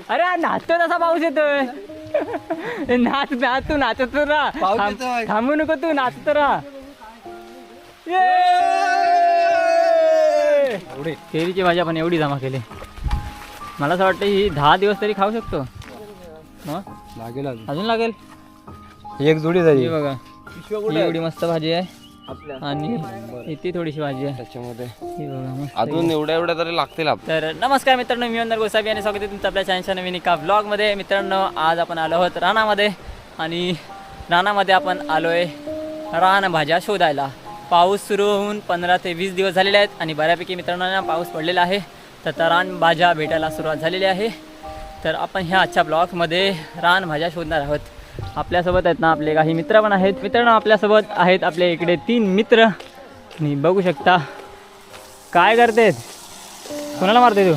अरे नाचतो तसा पाऊस येतोय. नाच नाच तू नाचत राहा, थांबू नको तू नाचत राहा. केळीची भाजी आपण एवढी जमा केली. मला असं वाटतं ही 10 दिवस तरी खाऊ शकतो. लागेल अजून लागेल. एक जोडी झाली ही बघा, ही एवढी मस्त भाजी आहे आणि इथे थोडीशी भाजी आहे त्याच्यामध्ये. ही बघा मस्त. अजून एवढ्या तरी लागतील. तर नमस्कार मित्रांनो, मी अंदर गोसावी आणि स्वागत आहे तुमचं आपल्या चॅनलच्या नवीन एका व्लॉगमध्ये. मित्रांनो, आज आपण आलो आहोत रानामध्ये आणि रानामध्ये आपण आलो आहे रानभाज्या शोधायला. पाऊस सुरू होऊन 15 ते 20 दिवस झालेले आहेत आणि बऱ्यापैकी मित्रांनो पाऊस पडलेला आहे. तर रानभाज्या भेटायला सुरुवात झालेली आहे. तर आपण ह्या आजच्या ब्लॉगमध्ये रानभाज्या शोधणार आहोत. आपल्यासोबत आहेत ना आपले काही मित्र पण आहेत. मित्रांनो, आपल्यासोबत आहेत आपले इकडे 3 मित्र आणि बघू शकता काय करतेत. कोणाला मारते तू?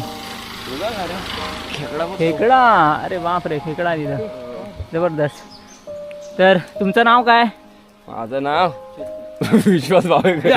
खेकडा. अरे बापरे, खेकडा तिथं जबरदस्त. तर तुमचं नाव काय? माझं नाव विश्वास बाबा.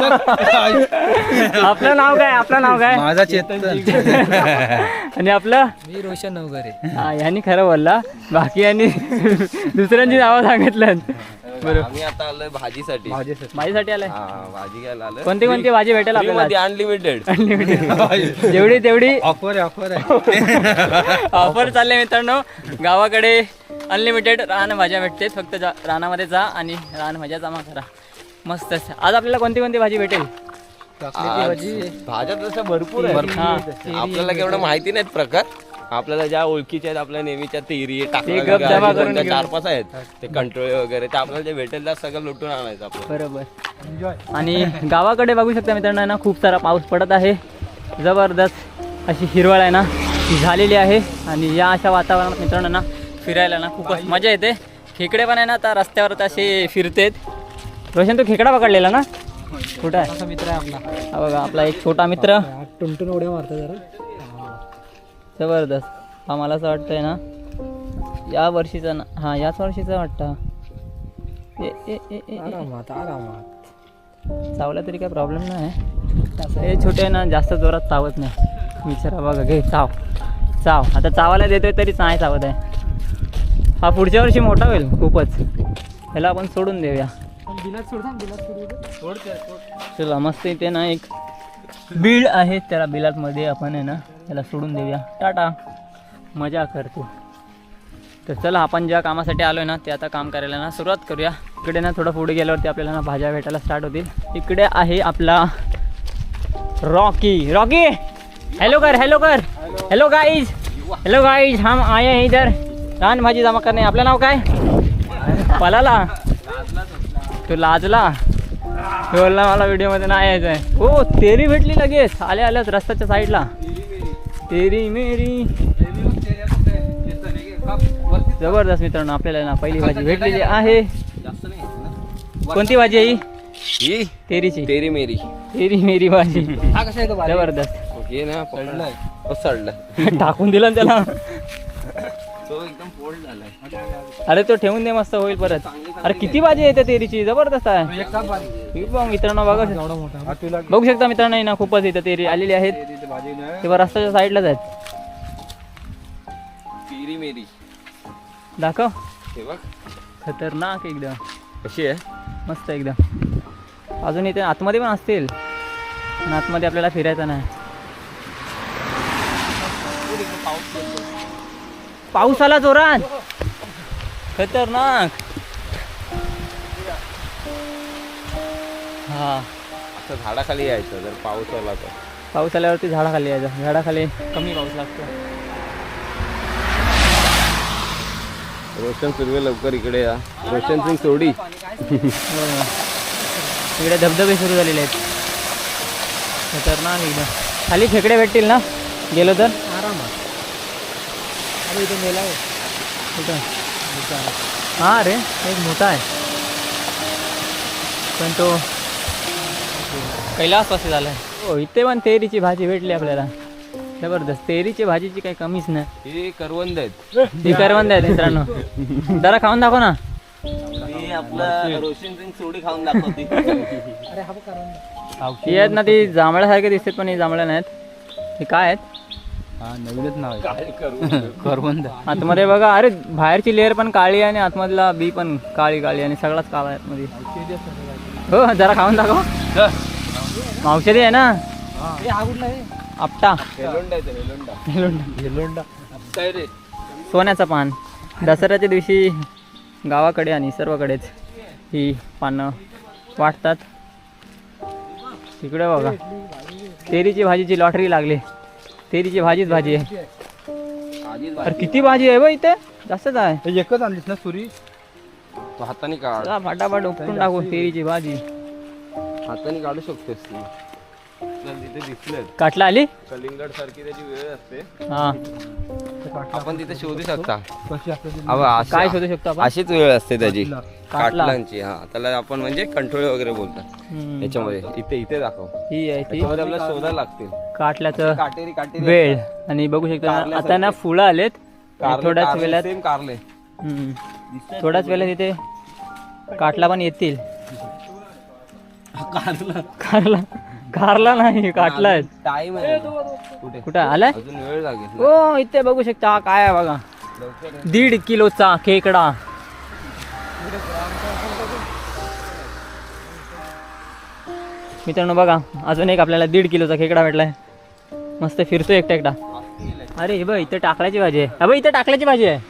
आपलं नाव काय? आपलं नाव काय? माझा चेतन. आणि आपलं? मी रोशन नवघरे. हा, यांनी खरं बोलला, बाकी यांनी दुसऱ्यांची नावं सांगितलं. बरोबर. आम्ही आता आलोय भाजीसाठी. माझ्यासाठी आलाय. भाजी घ्यायला आलोय. कोणती कोणती भाजी भेटेल आपल्याला? अनलिमिटेड. अनलिमिटेड जेवढी तेवढी ऑफर आहे. ऑफर चालले मित्रांनो. गावाकडे अनलिमिटेड रानभाज्या भेटते. फक्त रानामध्ये जा आणि रानभाज्या जमा करा. मस्त. आज आपल्याला कोणती कोणती भाजी भेटेल? भाज्या तसं भरपूर आहे. आपल्याला केवढं माहिती नाहीत प्रकार. आपल्याला ज्या ओळखीच्या आहेत आपल्या नेहमीच्या तेरी जमा करून 4-5 आहेत ते कंट्रोल वगैरे, ते आपल्याला जे भेटेल त्या सगळं लुटून आणायचं आपलं. बरोबर. आणि गावाकडे बघू शकता मित्रांनो ना, खूप सारा पाऊस पडत आहे. जबरदस्त अशी हिरवळ आहे ना ती झालेली आहे. आणि या अशा वातावरणात मित्रांनो ना फिरायला ना खूपच मजा येते. खेकडे पण आहे ना आता रस्त्यावर असे फिरतेत. रोशन, तू खेकडा पकडलेला ना? कुठं आहे? मित्र आहे आपला. हा बघा, आपला एक छोटा मित्र. टुनटुन उड्या मारतो जरा. जबरदस्त. हा मला असं वाटतंय ना या वर्षीचा ना, हा याच वर्षीचा वाटतं. चावला तरी काय प्रॉब्लेम नाही. हे छोटे आहे ना, जास्त जोरात चावत नाही. विचारा बघा, घे चाव चाव. आता चावायला देतोय तरीच नाही चावत आहे. हा पुढच्या वर्षी मोठा होईल खूपच. ह्याला आपण सोडून देऊया. चला, मस्त. इथे ना एक बीड आहे, त्याला बिलाटमध्ये आपण आहे ना त्याला सोडून देऊया. टाटा, मजा करतो. तर चला, आपण ज्या कामासाठी आलो आहे ना ते आता काम करायला ना सुरुवात करूया. इकडे ना थोडं पुढे गेल्यावरती आपल्याला ना भाज्या भेटायला स्टार्ट होतील. इकडे आहे आपला रॉकी. रॉकी, हेलो कर, हेलो कर. हेलो गाइज, हेलो गाइज, हम आए हैं इधर रान भाजी जमा करणे. आपलं नाव काय? पलाला. तो लाजला, बोलला मला व्हिडिओमध्ये नाही यायचं आहे. हो, तेरी भेटली लगेच आल्या आल्याच रस्त्याच्या साईडला. तेरी मेरी. जबरदस्त मित्रांनो, आपल्याला ना पहिली भाजी भेटलेली आहे. कोणती भाजी आहे ही? तेरीची. तेरी मेरी. तेरी मेरी भाजी. जबरदस्त. टाकून दिला त्याला. तो एकदम फोल्ड झालाय. अरे तो ठेवून दे, मस्त होईल परत. अरे किती भाजी येते तेरीची, जबरदस्त आहे. मित्रांनो बघा, बघू शकता मित्रांनो ना खूपच इथं तेरी आलेली आहेत. तेव्हा रस्त्याच्या साईडलाच आहेत. तेरी मेरी दाखव. हे बघ, खतरनाक एकदम. कशी आहे? मस्त एकदम. अजून इथे आतमध्ये पण असतील, पण आतमध्ये आपल्याला फिरायचं नाही. पाऊस आला जोरात, खतरनाक. हा, असं झाडाखाली यायचं जर पाऊस आला तर. पाऊस आल्यावरती झाडाखाली यायचं. झाडाखाली कमी पाऊस लागतो. रोशन सुर्वे, लवकर इकडे या. रोशन सिंग सोडी. इकडे धबधबे सुरू झालेले आहेत. खतरनाक एकदम. खाली खेकडे भेटतील ना गेलो तर? आरामात. हा रे, एक मोठा आहे पण तो कैलासवासी झाला आहे. हो, इथे पण तेरीची भाजी भेटली आपल्याला. जबरदस्त. तेरीची भाजीची काही कमीच नाही. हे करवंद आहेत. ही करवंद आहेत मित्रांनो. जरा खाऊन दाखव ना. आपलं रोशन सिंग सोडी खाऊन दाखवते. ती आहेत ना, ती जांभळ्यासारखे दिसतात पण ही जांभळ्या नाहीत. हे काय आहेत? हा नवीनच नाव आहे काय करू करवंद. आतमध्ये बघा, अरे बाहेरची लेअर पण काळी आणि आतमधला बी पण काळी काळी आणि सगळाच काळा आहे आतमध्ये. हो जरा खाऊन दाखव. औषधी आहे ना. आपटा येलोंडा काय रे सोन्याचं पान. दसऱ्याच्या दिवशी गावाकडे आणि सर्वकडेच ही पानं वाटतात. तिकडे बघा तेरीची भाजीची लॉटरी लागली. तेरीची भाजीच भाजी आहे. अरे किती भाजी आहे बघ इथे, जास्तच आहे. एकच आणलीस ना सुरी. तू हाताने काढ, चला फटाफट उपटून टाकू तेरीची भाजी. हाताने काढू शकतोस तू. आपल्याला तिथे दिसलं काटला आली. कलिंगड सारखी त्याची वेळ असते, हा आपण तिथे शोधू शकता. कशी असते काय शोधू शकतो आपण. अशीच वेळ असते त्याची काटला. काटलांची. हा त्याला आपण म्हणजे कंट्रोल वगैरे बोलतात. हम्म. याच्यामध्ये इथे इथे दाखव, ही आहे ती त्याच्यामध्ये आपल्याला शोधायला लागतील काटल्याचं काटेरी काटेरी वेळ. आणि बघू शकता आता ना फुलं आलेत. थोड्याच वेळात सेम कारले. थोड्याच वेळात इथे काटला पण येतील. कारला कारला नाही काटला आहे. टाइम आहे कुठे कुठं आलाय. अजून वेळ लागेल. हो इथे बघू शकता हा काय आहे बघा, 1.5 किलोचा खेकडा. मित्रांनो बघा अजून एक आपल्याला 1.5 किलोचा खेकडा भेटलाय. मस्त फिरतो एकटा एकटा. अरे हे बघ इथे टाकल्याची भाजी आहे. अबे इथे टाकल्याची भाजी आहे.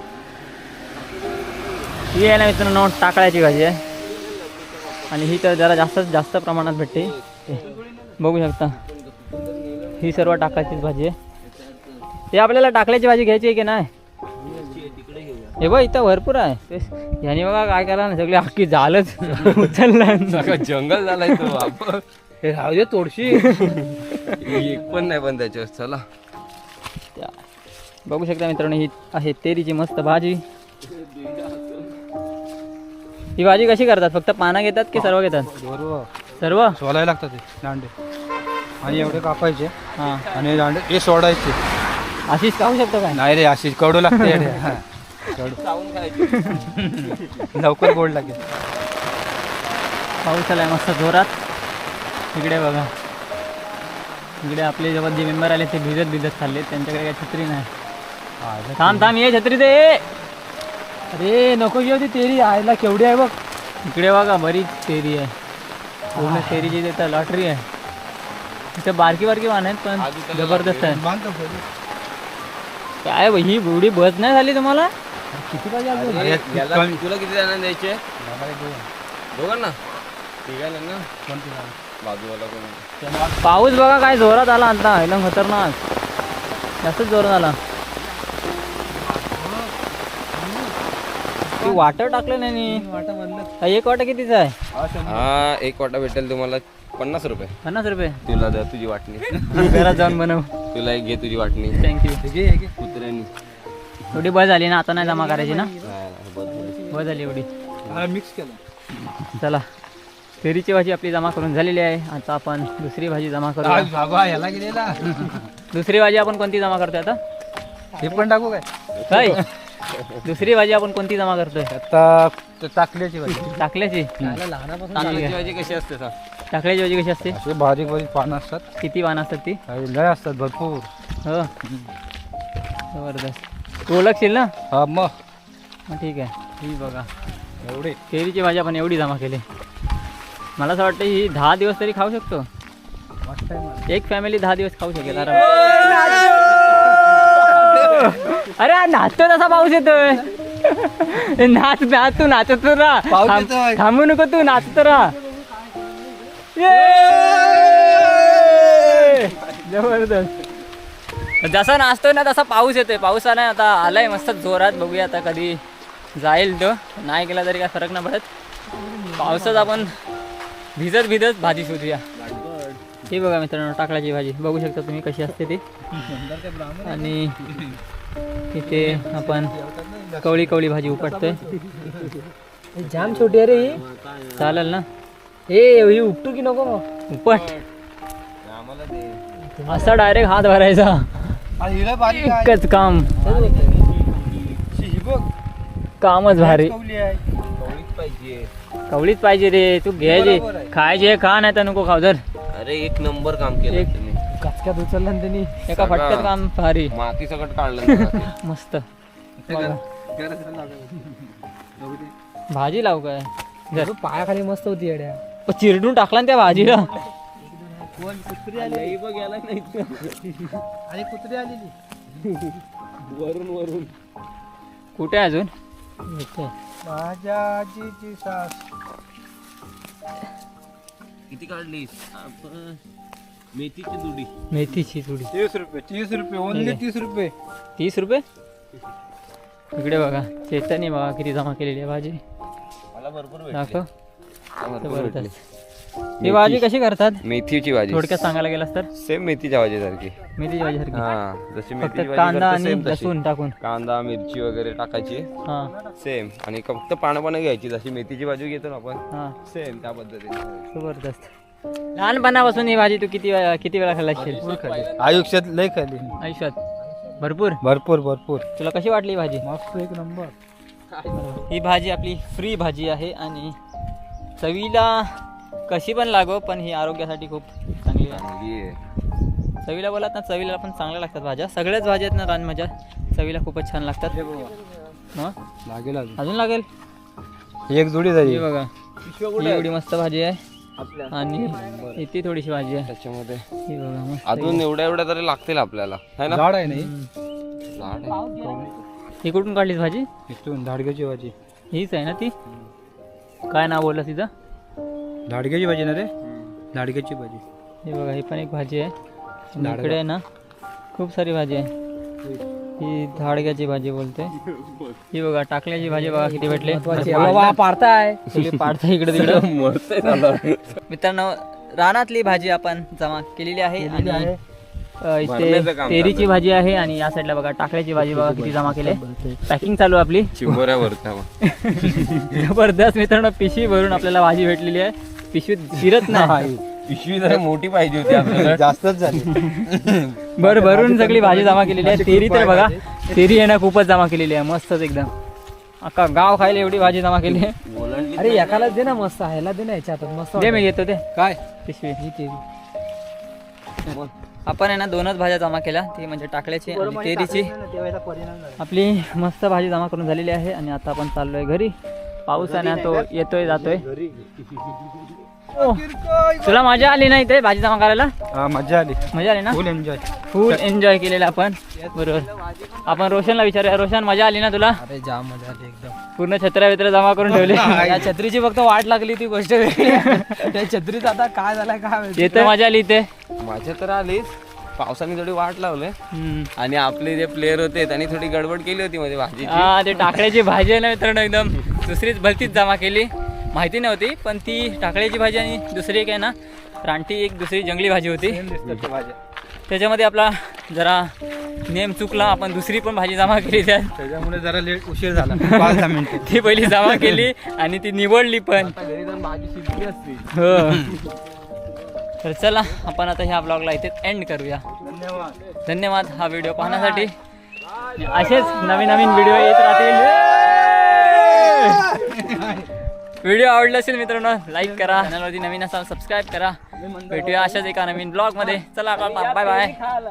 ही आहे ना मित्रांनो टाकळ्याची भाजी आहे. आणि ही तर जरा जास्त प्रमाणात भेटते. बघू शकता ही सर्व टाकळ्याचीच भाजी आहे. हे आपल्याला टाकल्याची भाजी घ्यायची आहे की नाही. हे बघ इथं भरपूर आहे. ह्यानी बघा काय करा ना सगळी अख्खी झालंच उचललं. जंगल झालाय तो. आपण हे राहू दे तोडशी. एक पण नाही पण त्याच्यावर. चला बघू शकता मित्रांनो ही आहे तेरीची मस्त भाजी. ही भाजी कशी करतात, फक्त पानं घेतात की सर्व घेतात. बरोबर सर्व सोलायला लागतात ते दांडे आणि एवढे कापायचे हां आणि दांडे हे सोडायचे. अशीच खाऊ शकतो काय. नाही रे अशी कडू लागते येडे. हा, कडू. लवकर गोड लागेल. पाऊस आलाय मस्त जोरात. इकडे बघा इकडे आपले जेव्हा जे मेंबर आले ते भिजत चालले. त्यांच्याकडे काही छत्री नाही. थांब ये छत्री दे. अरे नको घेऊ ती तेरी आयला केवढी आहे बघ. इकडे बघा बरीच तेरी आहे. पूर्ण तेरीची तिथं लॉटरी आहे. तिथं बारकी वाहन आहेत पण जबरदस्त आहे. काय ही बुडी बस नाही झाली तुम्हाला. किती पाहिजे अजून? अरे, अरे, याला कमी. तुला किती जणांना द्यायचे. दोघांना तिघांना ना. बाजूवाला कोण. पाऊस बघा काय जोरात आला आता. एकदम खतरनाक जास्तच जोरात आला. ती वाटर टाकलं नाही. एक वाटा कितीचा आहे. हा एक वाटा भेटेल तुम्हाला 50 रुपये. 50 रुपये. तुला द्या तुझी वाटणी. घरात जाऊन बनव. तुला एक घे तुझी वाटणी. थँक्यू. कुत्र्यानी एवढी बस झाली ना आता नाही जमा करायची ना. नाही, बस झाली एवढी. मिक्स केलं. चला तेरीची भाजी आपली जमा करून झालेली आहे. आता आपण दुसरी भाजी जमा करू. बाबा याला गेलेला. दुसरी भाजी आपण कोणती जमा करतोय आता. हे पण टाकू काय. काय दुसरी भाजी आपण कोणती जमा करतोय. आता टाकल्याची भाजी. टाकल्याची. टाकल्याची भाजी कशी असते सांग. टाकल्याची भाजी कशी असते. असे बारीक बारीक पानं असतात. किती पानं असतात ती. काही लय असतात भरपूर. हो जबरदस्त. तू ओळखशील ना. हा मग ठीक आहे. ही बघा एवढे तेरीची भाजी आपण एवढी जमा केली. मला असं वाटतं ही 10 दिवस तरी खाऊ शकतो. मस्त आहे मला. एक फॅमिली 10 दिवस खाऊ शकेल आराम. अरे नाचतो तसा पाऊस येतोय. नाच नाच तू नाचत राहा. पाऊस येतोय. थांबू नको तू नाचत राहा. जबरदस्त. जसा नाचतोय ना तसा पाऊस येतोय. पाऊस आलाय आता आलाय मस्त जोरात. बघूया आता कधी जाईल तो. नाही गेला तरी काय फरक नाही पडत. पावसात आपण भिजत भाजी शोधूया. ही बघा मित्रांनो टाकळ्याची भाजी बघू शकता तुम्ही कशी असते ती. आणि इथे आपण कवळी भाजी उपटतोय. जाम छोटी आहे रे ही. चालेल ना. हे उपटू की नको मग. उपट असा डायरेक्ट हात भरायचा. एकच काम. कामच भारी. कवळीच पाहिजे रे. तू घ्यायची खायची खा नाही तर नको खाऊ. जर अरे एक नंबर काम केलं तुम्ही. फटक्यात उचलला आणि त्यांनी एका फटक्यात काम भारी माती सकट काढलं ना ते. मस्त बघा. भाजी लावू काय जर पायाखाली मस्त होती येड्या. चिरडून टाकला ना त्या भाजीला. लई बघ याला नाही आणि कुत्री आलेली वरून वरून कुठे आहे अजून माझ्या आजीची सास. किती काढलीस आपण मेथीची दुडी मेथीची थोडी 30 रुपये ओनली 30 रुपये. 30 रुपये. इकडे बघा चेतनी बघा किती जमा केलेली आहे भाजी. मला भरपूर दाखव भरपूर भेटली. जबरदस्त. ही भाजी कशी करतात मेथीची भाजी थोडक्यात सांगायला गेलास तर सेम मेथीच्या भाजी सारखी. मेथीची भाजी सारखी हा जशी फक्त मेथीची भाजी कांदा करतो आणि सेम तशी. लसूण टाकून कांदा मिरची वगैरे टाकायची हा सेम आणि फक्त पानं घ्यायची जशी मेथीची भाजी घेतो ना आपण हा सेम त्या पद्धतीने. जबरदस्त. लहानपणापासून ही भाजी तू किती वेळा खाल्ला असशील आयुष्यात लय खाली आयुष्यात भरपूर भरपूर तुला कशी वाटली ही भाजी मस्त एक नंबर. ही भाजी आपली फ्री भाजी आहे आणि चवीला कशी पण लागो पण ही आरोग्यासाठी खूप चांगली आहे. चांगली आहे. चवीला बोलात ना चवीला पण चांगल्या लागतात भाज्या सगळ्याच भाज्या आहेत ना रानभाज्या चवीला खूपच छान लागतात. मग लागेल अजून लागेल एक जोडी झाली ही बघा ही एवढी मस्त भाजी आहे आणि इथे थोडीशी भाजी आहे त्याच्यामध्ये ही बघा मस्त अजून एवढ्या तरी लागतील आपल्याला है ना. झाड आहे नाही झाड आहे. ही कुठून काढलीस भाजी इथून धाडग्याची भाजी. हीच आहे ना ती काय नाव बोललं तिचं धाडग्याची भाजी ना रे धाडग्याची भाजी. ही बघा ही पण एक भाजी आहे आणि इकडे आहे ना खूप सारी भाजी आहे ही धाडग्याची भाजी बोलते. ही बघा टाकल्याची भाजी बघा किती भेटले पाडताय पाडता इकडे तिकडे. मित्रांनो रानातली भाजी आपण जमा केलेली आहे आणि इथे भरण्याचं काम तेरीची भाजी आहे आणि या साईडला बघा टाकल्याची भाजी बघा किती जमा केली. पॅकिंग चालू आहे आपली चिंबोऱ्यावरचा जबरदस्त. मित्रांनो पिशवी भरून आपल्याला भाजी भेटलेली आहे. पिशवीत शिरत नाही पिशवी जरा मोठी पाहिजे होती आपल्याला. जास्तच झाली भरून सगळी भाजी जमा केलेली आहे. तेरी तर बघा तेरी आहे ना खूपच जमा केलेली आहे मस्तच एकदम अख्खा गाव खायला एवढी भाजी जमा केली आहे. ओलांडली अरे एकाला दे ना मस्त ह्याला दे ना याच्यात मस्त दे मी घेतो ते काय पिशवी. ही तेरी आपण आहे ना दोनच भाज्या जमा केल्या ती म्हणजे टाकल्याची आणि तेरीची. आपली मस्त भाजी जमा करून झालेली आहे आणि आता आपण चाललोय घरी. पाऊस आहे ना तो येतोय जातोय. तुला मजा आली नाही ते भाजी जमा करायला मजा आली मजा आली ना फुल एन्जॉय. फुल एन्जॉय केलेला आपण बरोबर. आपण रोशनला विचारूया रोशन मजा आली ना तुला अरे जाम मजा आली एकदम. पूर्ण छत्र्या बित्र्या जमा करून ठेवले. या छत्रीची फक्त वाट लागली ती गोष्ट वेगळी आहे. त्या छत्रीत आता काय झालंय काय माहिती. येतं मजा आली ते. माझ्या तर आलीच पावसाने थोडी वाट लावले आणि आपले जे प्लेयर होते त्यांनी थोडी गडबड केली होती मध्ये भाजी. हा ते टाकळ्याची भाजी आहे ना मित्रांनो एकदम दुसरीच भलतीच जमा केली. माहिती नव्हती पण ती टाकळ्याची भाजी आणि दुसरी एक आहे ना रानटी एक दुसरी जंगली भाजी होती. त्याच्यामध्ये आपला जरा नेम चुकला. आपण दुसरी पण भाजी जमा केली त्याच्यामुळे जरा लेट उशीर झाला 5-10 मिनिटं. ती पहिली जमा केली आणि ती निवडली पण. घरी जाऊन भाजी शिजली असती. हो तर चला आपण आता ह्या ब्लॉगला इथेच एंड करूया. धन्यवाद हा व्हिडिओ पाहण्यासाठी. असेच नवीन नवीन व्हिडिओ येत राहतील. व्हिडिओ आवडला असेल मित्रांनो लाईक करा चॅनलवरती नवीन असाल सबस्क्राईब करा. भेटूया अशाच एका नवीन ब्लॉग मध्ये. चला बाय बाय.